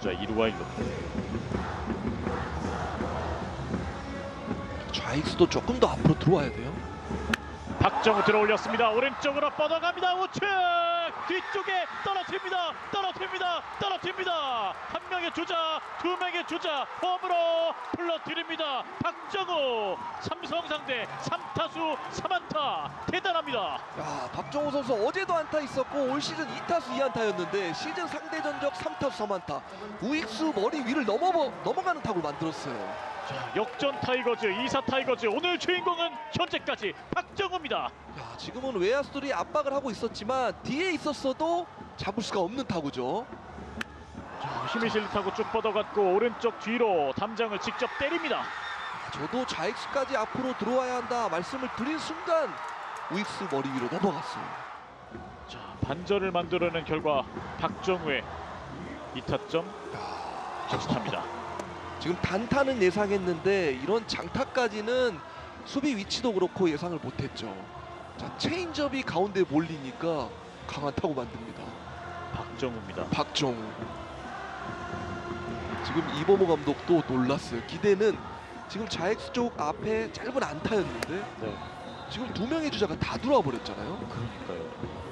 주자 2루와 1루. 좌익수도 조금 더 앞으로 들어와야 돼요. 박정우 들어올렸습니다. 오른쪽으로 뻗어갑니다. 우측 뒤쪽에 떨어집니다. 한 명의 주자, 두 명의 주자 홈으로 불러드립니다. 박정우 삼성 상대 3타수 3안타 대단합니다. 야, 박정우 선수 어제도 안타 있었고 올 시즌 2타수 2안타였는데 시즌 상대 전적 3타수 3안타. 우익수 머리 위를 넘어가는 타구를 만들었어요. 자, 역전 타이거즈, 2사 타이거즈 오늘 주인공은 현재까지 박정우입니다. 야, 지금은 외야수들이 압박을 하고 있었지만 뒤에 있었어도 잡을 수가 없는 타구죠. 자, 힘이 실린 타구 쭉 뻗어갔고 오른쪽 뒤로 담장을 직접 때립니다. 저도 좌익수까지 앞으로 들어와야 한다 말씀을 드린 순간 우익수 머리 위로 넘어갔어요. 자, 반전을 만들어낸 결과 박정우의 2타점 적시타입니다. 지금 단타는 예상했는데 이런 장타까지는 수비 위치도 그렇고 예상을 못했죠. 자, 체인지업이 가운데 몰리니까 강한 타구 만듭니다. 박정우입니다. 박정우. 지금 이범호 감독도 놀랐어요. 기대는 지금 좌익수 쪽 앞에 짧은 안타였는데 네, 지금 두 명의 주자가 다 들어와 버렸잖아요. 그러니까요.